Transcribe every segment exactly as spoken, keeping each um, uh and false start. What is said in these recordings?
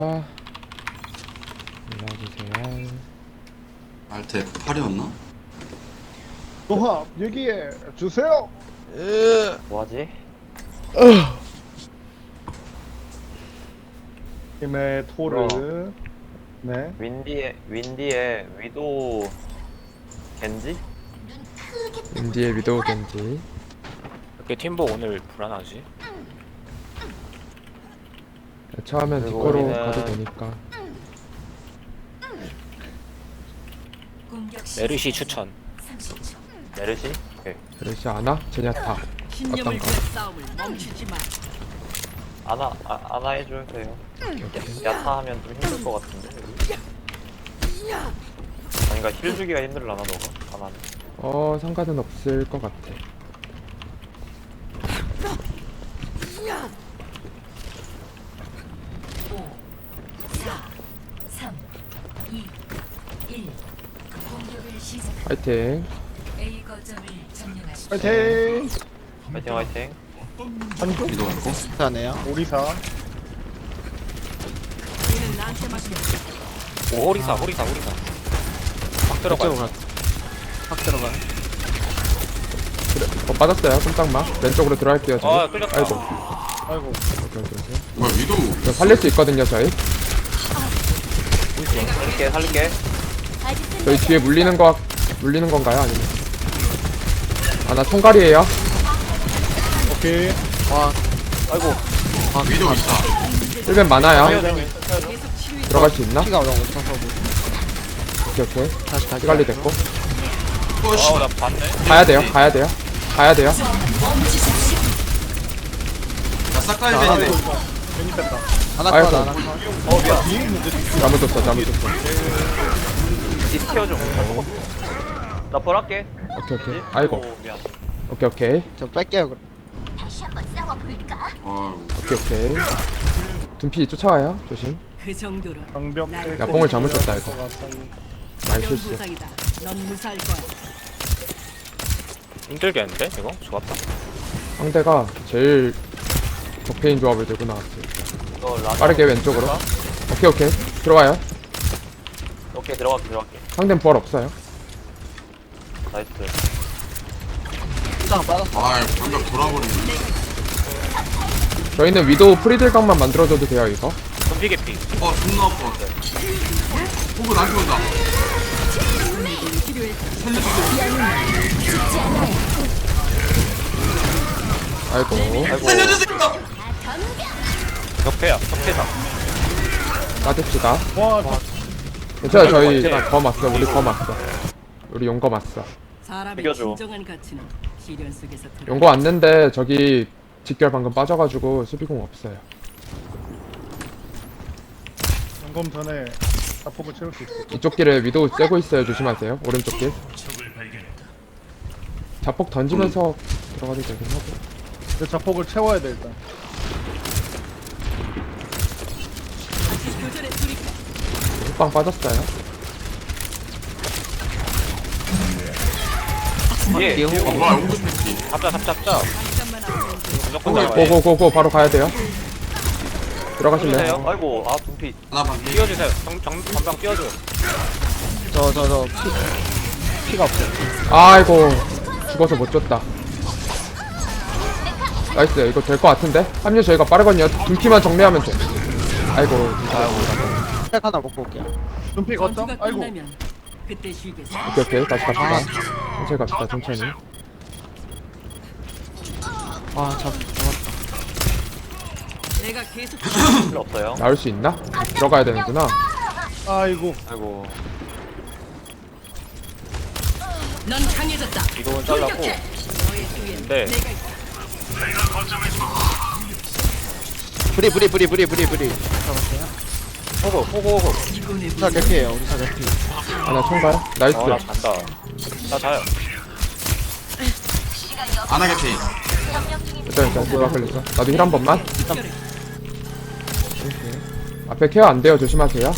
아, 올라주세요. 알트 에프 팔이었나? 조합 얘기해 주세요. 뭐하지? 팀의 토르. 네. 윈디에 윈디에 위도 겐지? 인디의 위도우 겐지. 이렇게 팀보 오늘 불안하지? 처음엔 그리고 디코로 우리는- 가도 되니까. 메르시 추천. 메르시? 오케이. 그러시 아나? 제냐타. 신념을 어떤가? 위한 싸움을 멈추지 마. 아나 아, 아나 해주세요. 야타 하면 좀 힘들 것 같은데. 아니 그니까 힐 주기가 힘들라나 너가? 아나는. 어, 상관은 없을 것 같아. 삼, 이, 일. 공격을 시작. 파이팅. A 거점을 점령하십시오. 파이팅. 화이팅 화이팅. 한쪽 위도 없고 오리사. 얘는 나한테 맡겨. 오 호리사 호리사 호리사. 막 들어가. 어, 빠졌어요. 꼼짝마. 왼쪽으로 들어갈게요, 저희. 아 끌렸다. 아이고. 아이고. 오케이, 오케이, 오케이. 뭐야 위도 저 살릴 수 있거든요, 저희. 살릴게 살릴게. 저희 뒤에 물리는 거, 물리는 건가요? 아니면? 아, 나 총갈이에요. 오케이. 아이고. 위도 있다. 일 벤 많아요. 계속 치료해. 들어갈 수 있나? 오케이, 오케이. 다시 관리 됐고. 어씨 아나 봤네. 가야 돼요, 가야 돼요. 가야 돼요. 나 싹가이벤이네. 괜히 뺐다. 아이고. 어 미안. 잘못했어, 잘못했어. 디스케어 좀. 나 벌할게. 오케이, 오케이. 아이고. 오, 미안. 오케이, 오케이. 저 뺄게요 그럼. 다시 한번 싸워볼까? 아이고 오케이, 오케이. 둔피 쫓아와요. 조심. 그 정도로 방벽. 야, 뽕을 잘못 쳤다, 이거. 많이 연 실수. 부상이다. 넌 무사할 거야. 힘들겠는데 이거? 좋았다. 상대가 제일 적폐인 조합을 들고 나왔어요. 이거 라자. 빠르게 왼쪽으로. 오케이, 오케이. 들어와요. 오케이 들어갈게 들어갈게. 상대는 부활 없어요. 나이스. 아이 방벽 돌아버리네. 저희는 위도우 프리딜각만 만들어줘도 돼요, 이거. 좀비 개피. 어 존나 아파. 호구 나한테 온다. 아이고. 아이고. 격패야 격패다. 빠집시다. 와. 괜찮아, 저희 검 왔어. 우리 검 왔어. 우리 용검 왔어. 사람의 비켜줘. 진정한 가치는 시련 속에서 드러나. 용검 왔는데 저기 직결 방금 빠져가지고 수비공 없어요. 점검 전에 자폭을 채울 수 있어. 이쪽 길에 위도우 쐬고 있어요. 조심하세요. 오른쪽 길. 자폭 던지면서 들어가도 되긴 하고. 내 자폭을 채워야 돼 일단. 교전에 돌입해. 훅방 빠졌어요. 뒤에. 아 뭐야 호구 스피키. 잡자 잡자 잡자. 잠깐만 앞으로. 무조건 잡아야 돼. 고고고고 바로 가야 돼요. 들어가실래요? 띄워주세요. 아이고 아 둠피. 하나 반피. 띄워주세요. 정, 정, 전방 띄워줘. 저 저 저 피가 없어요. 아이고 죽어서 못 줬다. 나이스. 이거 될 것 같은데? 합류 저희가 빠르거든요. 둔피만 정리하면 돼. 아이고. 팩 하나 먹고 올게요. 눈피 걷죠? 전투가 아이고. 끝나면 그때 쉬겠어. 오케이, 오케이. 다시 갑시다. 천천히 갑시다. 천천히. 아 잡. 내가 계속 필요 없어요. 나올 수 있나? 들어가야 되는구나. 아이고. 아이고. 넌 강해졌다. 이동은 잘라고. 너의 뒤엔 근데 내가 있다. 브리 브리 브리 브리 브리 브리. 잡았어요. 호구 호구 호구. 이번에 우리 사 개피예요. 우리 사 개피. 하나 총괄. 나이스. 어나 잔다. 나 자요. 안 하겠지. 일단 일단 누가 걸렸어? 나도 힐 한 번만. 앞에 케어 안 돼요. 조심하세요.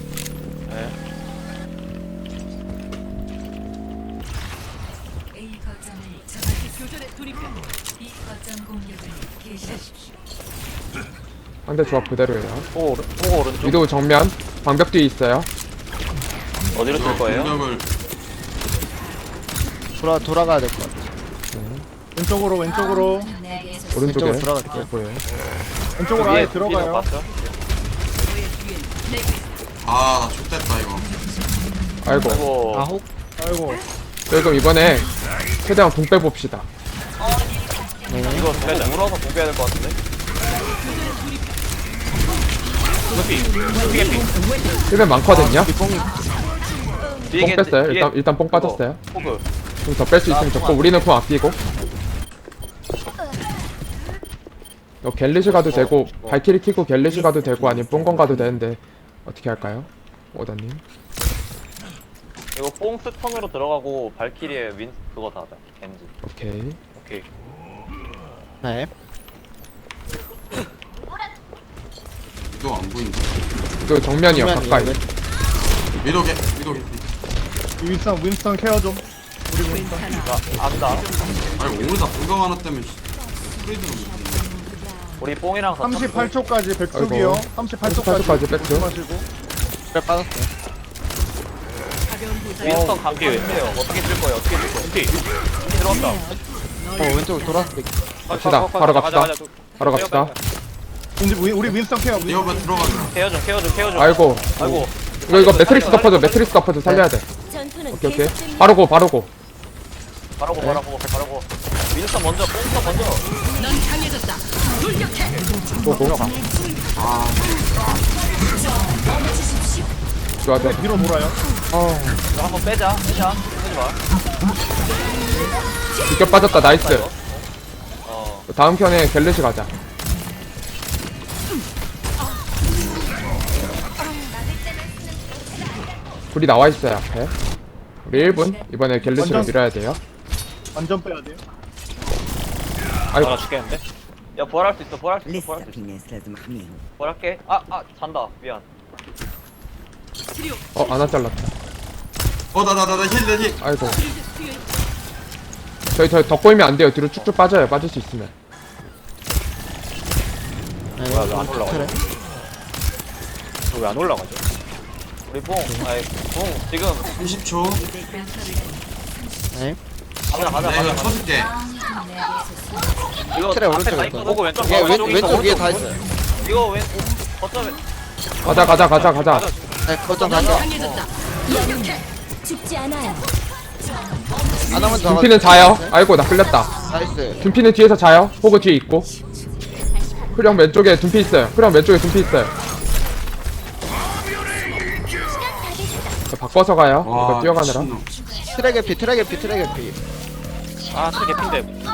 A 거점을 점령. 교전에 돌입해. B 거점 공격을 개시하십시오. 상대 조합 그대로예요. 호그 오른 호그 오른쪽. 위도우 정면 방벽 뒤에 있어요. 어디로 쓸 거예요? 공격을 돌아 돌아가야 될 것 같아. 왼쪽으로 왼쪽으로 내게서 오른쪽에 왼쪽으로 들어갈게요. 보여요. 왼쪽으로 아예 들어가요. 봤죠? 아나 X됐다 이거. 아이고. 아이고. 아 혹. 아이고 저희 그럼 이번에 최대한 공 빼봅시다. 이거 빼자. 물어서 공 빼야 될 것 같은데. 루피. 루피 개피. 힐벤 많거든요. 뒤에 뽕 겐지, 뺐어요. 뒤에 일단 일단 뽕 그거, 빠졌어요. 호그. 좀 더 뺄 수 있으면 좋고 우리는 공 아끼고. 너 갤리시 가도 되고 발키리 키고 갤리시 가도 되고 아니면 뽕건 가도 되는데 어떻게 할까요? 오다님. 이거 뽕 스턴으로 들어가고 발키리의 윈 그거 다 하자. 겐지. 오케이. 오케이. 네. 이거 안 보인다. 또 정면이요 정면이요, 가까이. 왼- 위도게 위도게. 윈스턴 윈스턴 케어 좀. 우리 윈스턴. 나 안다. 아니 오늘다 불강 하나 때문에 프리드로 못했네. 우리 뽕이랑 다 삼십팔 초까지 백숙이요. 삼십팔 초까지. 삼십팔 초까지 백숙. 조심하시고. 그래 빠졌어요. 가벼운 부상. 윈스턴 감기 왜 빼요? 어떻게 쓸 거예요? 어떻게 쓸 거예요? 루피. 들어왔다. 어 왼쪽으로 돌았을 때. 갑시다. 바로 갑시다. 바로 갑시다. 우리 우리- 우리 윈스턴 케어. 윈- 이거 왜 들어가자. 케어 좀 케어 좀 케어 좀. 아이고. 아이고. 이거 이거 매트릭스 덮어줘. 매트릭스 덮어줘. 살려야 돼. 오케이 오케이. 바로 고 바로 고. 바라고 바라고 바라고. 윈스턴 먼저 뽕스턴 먼저. 넌 강해졌다. 돌격해. 고고. 아 좋아 좋아. 뒤로 돌아요. 이거 한번 빼자. 빼자. 하지 마. 비껴 빠졌다. 나이스. 어. 다음 편에 갤리시 가자. 불이 나와 있어요 앞에. 우리 일 분 이번에 갤리시를 완전- 밀어야 돼요. 완전 빼야 돼요. 아이고. 하나 죽겠는데? 야 부활할 수 있어. 부활할 수 있어. 부활할 수 있어. 부활할게. 아, 아, 잔다. 미안. 치료. 어 하나 잘랐다. 어나 나 나 나 힐 힐. 아이고. 저희 저희 더 꼬이면 안 돼요. 뒤로 쭉쭉 빠져요. 빠질 수 있으면. 네. 뭐야 왜 안 올라가죠? 왜 안 올라가죠? 우리 뽕. 아이, 뽕. 지금 삼십 초. 네. 가자, 가자, 내가 이거 가자. 쳐줄게. 이거 트레 앞에 오른쪽에 다 있거든. 있거든. 호그 왼쪽. 얘 왼, 왼쪽 있어, 왼쪽 위에 오른쪽. 다 있어요. 이거 왼, 오, 거점에. 가자 가자 가자 가자. 네 거점 넌 가자. 강해졌다. 죽지 않아요. 하나만 더. 둠피는 자요. 아이고 나 끌렸다. 나이스. 둠피는 뒤에서 자요. 호그 뒤에 있고. 흐령 왼쪽에 둠피 있어요. 흐령 왼쪽에 둠피 있어요. 자, 바꿔서 가요. 이거 뛰어가느라. 미친놈. 트랙 피 트랙 피 트랙 피. 아 트랙 개핀데.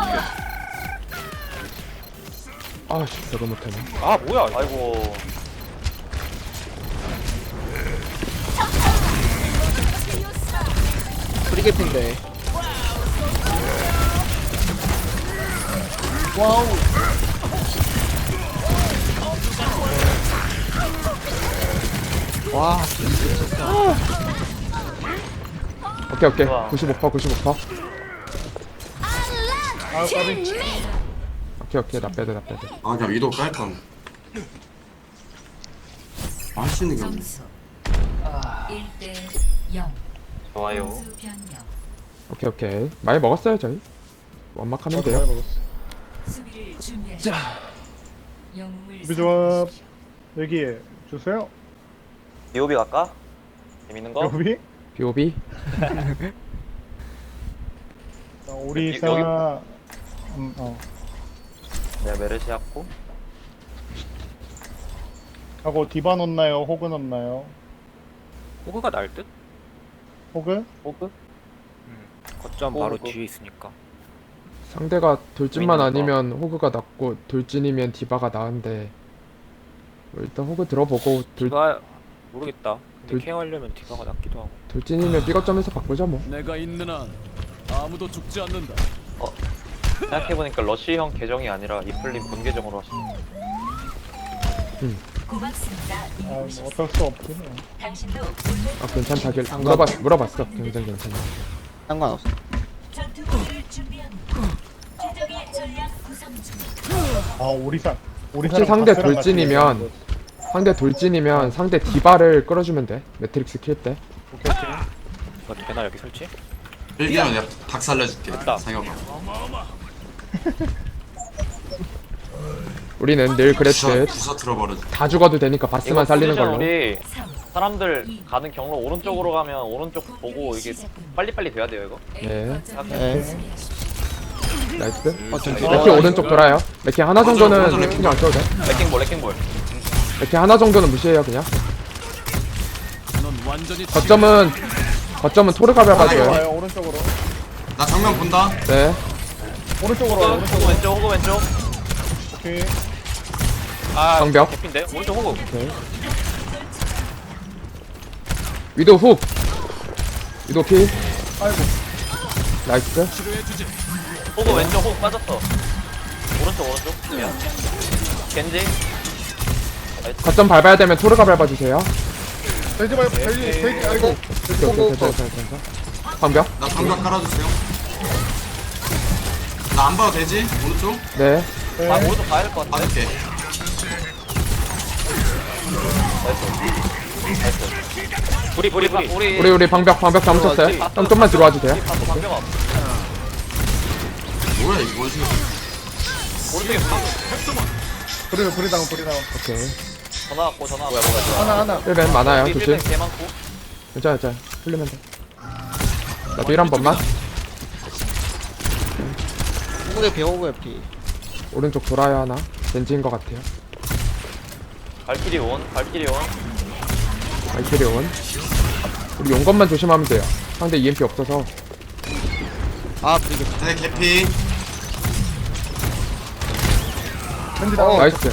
아씨 저거 못하네. 아 뭐야? 아이고. 프리게핀데. 와우. 와. 오케이 오케이. 좋아. 구십오 퍼센트 구십오 퍼센트. 아 까비. 오케이 오케이 나 빼도 나 빼도. 아 그냥 위도 깔까. 할수 있는 게 없네. 점수 일 대 영. 좋아요. 수 변경. 오케이 오케이. 많이 먹었어요 저희. 완막하면 저도 돼요. 많이 먹었어. 수비를 준비하십시오. 영웅을 우리 조합 여기에 주세요. 비오비 갈까? 재밌는 거? 여기. 비오비. 자, 우리 여기- 사. 여기- 음, 어. 내가 메르시 했고. 하고 디바 넣나요? 호그 넣나요? 호그가 날 듯? 호그? 호그? 거점 호그. 바로 뒤에 있으니까. 상대가 돌진만 보이는 거. 아니면 호그가 낫고 돌진이면 디바가 나은데 뭐 일단 호그 들어보고 돌, 디바 모르겠다. 근데 돌- 케어하려면 디바가 낫기도 하고. 돌진이면 삐거점에서 바꾸자 뭐. 내가 있는 한 아무도 죽지 않는다. 생각해보니까 러쉬형 계정이 아니라 이플림 본 계정으로 하시네. 고맙습니다. 아, 뭐 어쩔 수 없지. 뭐. 당신도 아 괜찮다길 물어봤 물어봤어. 굉장히 괜찮아. 상관없어. 전투를 준비합니다. 최적의 전략 구성 중. 아 오리사. 우리 혹시 사람 상대 다스랑 같이 돌진이면 얘기하는 상대 돌진이면 상대 디바를 끌어주면 돼. 매트릭스 킬 때. 거. 오케이 오케이. 이거 되나 여기 설치? 빌기는 내가 닭 살려줄게. 됐다. 상혁아. 우리는 늘 부서 그랬듯 부서 들어버려줘. 다 죽어도 되니까 이거 바스만 살리는 포지션 걸로. 우리 사람들 가는 경로 오른쪽으로 가면 오른쪽 보고 이게 빨리빨리 돼야 돼요 이거. 네. 네. 나이스. 어, 전 레키 오른쪽 돌아요. 레키 하나 정도는 맞아, 맞아. 신경 안 써도 돼. 레킹볼 레킹볼. 레키 하나 정도는 무시해요 그냥. 넌 완전히 거점은 거점은 토르가 밟아줘요. 와요 오른쪽으로. 나 정면 본다. 네. 오른쪽으로 와요, 호그 오른쪽으로. 호그 왼쪽 호그 왼쪽. 오케이. 아 방벽. 개핀데? 오른쪽 호구. 오케이. 위도 훅. 위도 킬. 아이고. 나이스. 치료해주지. 호그 왼쪽 호그 빠졌어. 오른쪽 오른쪽. 미안. 겐지. 거점 밟아야 되면 토르가 밟아주세요. 돼지 말 돼지 돼지 아이고. 오케이, 오케이, 괜찮아, 괜찮아, 괜찮아. 방벽. 나 방벽 깔아주세요. 나 안 봐도 되지? 오른쪽? 네. 네. 아 오른쪽 가야 될 것 같은데. 봐줄게. 불이 불이 불이. 우리 우리 우리 방벽 방벽 다 묻혔어요. 형 좀만 들어와 주세요. 바로 방벽 앞. 뭐야 이거 뭐지? 오른쪽에 불이 불이 당불이 당 오케이. 전화 왔고 전화 왔고. 뭐야 뭐야 하나 하나. 힐벤 많아요. 우리 조심. 힐백 개 많고. 괜찮아, 괜찮아. 풀리면 돼. 나도 일 한 번만. 호구의 피 호구의 피. 오른쪽 돌아야 하나. 벤지인 것 같아요. 발키리 온 발키리 온. 알키리 온. 우리 용건만 조심하면 돼요. 상대 이엠피 없어서. 아 브리게. 네 개피. 돼지 당. 나이스.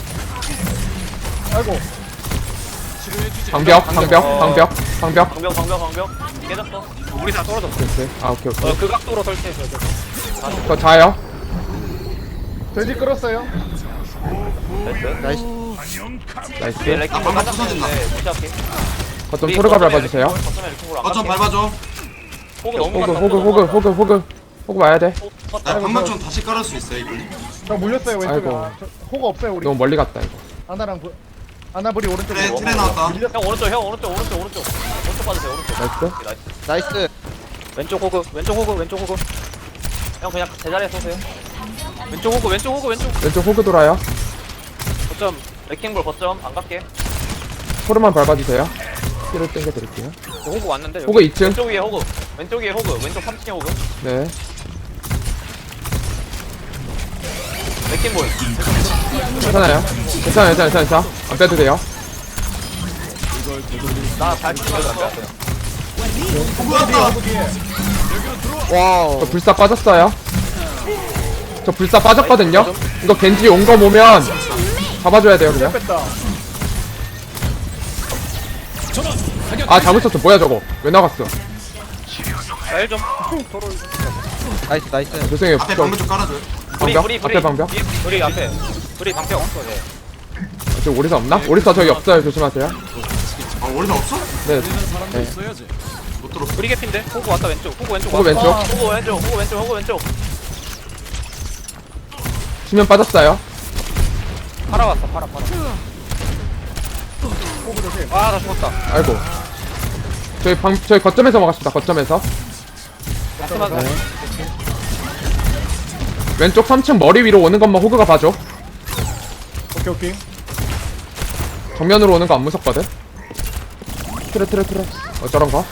아이고. 치료해주지. 방벽, 방벽, 방벽, 방벽. 방벽 방벽 방벽. 깨졌어. 우리 다 떨어졌어. 오케이, 오케이. 아, 오케이, 오케이. 어그 각도로 설치해줘. 저 자요. 돼지 끌었어요. 나이스. 나이스. 나이스. 뒤에 레킹볼 방금 빠졌는데 무시할게. 거점 토르가 밟아주세요. 거점에 레킹볼 안 거점 갈게. 밟아줘. 호그 너무 호그, 갔다, 호그, 너무 호그, 갔다. 호그, 호그. 호그 와야 돼. 호그 나 갔다. 방벽 좀 다시 깔을 수 있어 이분이? 저 물렸어요 왼쪽에. 아이고. 아, 저, 호가 없어요 우리. 너무 멀리 갔다, 이거. 하나랑 부, 하나불이 오른쪽에. 트레 트레 나왔다. 형 오른쪽 형 오른쪽 오른쪽 오른쪽 오른쪽 빠지세요 오른쪽. 나이스. 오케이, 나이스. 나이스. 왼쪽 호구 왼쪽 호구 왼쪽 호구. 형 그냥 제자리에 쏘세요. 왼쪽 호구 왼쪽 호구 왼쪽. 왼쪽 호그 돌아요. 거점. 레킹볼 거점 안 갈게. 토르만 밟아주세요. 힐을 땡겨드릴게요. 호구 왔는데 여기. 호그 이 층. 왼쪽 위에 호그 왼쪽 위에 호그 왼쪽 삼 층에 호그. 네. 레킹볼. 괜찮아요. 괜찮아요, 괜찮아요, 괜찮아요. 안 빼도 돼요. 나 발키리 맞았어. 호구 왔다. 와우. 저 불사 빠졌어요. 저 불사 빠졌거든요. 이거 겐지 온 거 보면 잡아줘야 돼요, 그냥. 뺐다. 아, 잘못 썼어. 뭐야, 저거. 왜 나갔어? 날 좀. 나이스 나이스. 죄송해요. 앞에 저 방벽 좀 깔아줘. 방벽? 브리, 브리, 앞에 방벽? 불이 앞에. 불이 방패 없어 쟤. 저 오리사 없나? 오리사 저기 없어요. 조심하세요. 아 오리사 없어? 네. 들리는 사람도 네. 있어야지. 못 들었어. 불이 개핀데? 호구 왔다 왼쪽. 호구 왼쪽 호그 왔다. 왼쪽. 호그 왼쪽 호그 왼쪽 호그 왼쪽. 수면 빠졌어요. 팔아 왔어 팔아 팔아. 호그 조심. 아나 죽었다. 아이고. 저희 방, 저희 거점에서 먹었습니다. 거점에서. 마지막에. 네. 왼쪽 삼 층 머리 위로 오는 것만 호그가 봐줘. 오케이 오케이. 정면으로 오는 거 안 무섭거든. 트레 트레 트레. 어 저런 거.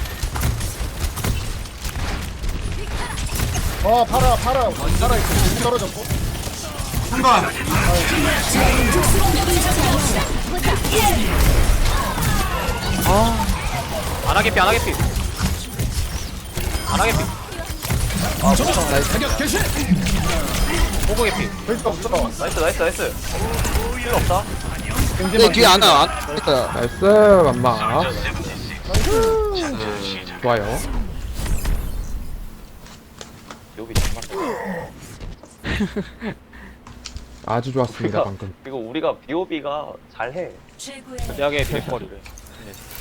어 팔아 팔아 팔아 있어. 떨어졌고. 순간. 안 하게 피, 안 하게 피. 안 하게 피. 사격 개시. 호구 개피. 돼지가 없어. 나이스 나이스 나이스. 필요 없다. 네 뒤에 안 와. 안 됐다. 나이스 맘마. 좋아요. 여기 정말. 아주 좋았습니다 우리가- 방금. 그리고 우리가 비오비가 잘해. 최고의 대학의 비거리를.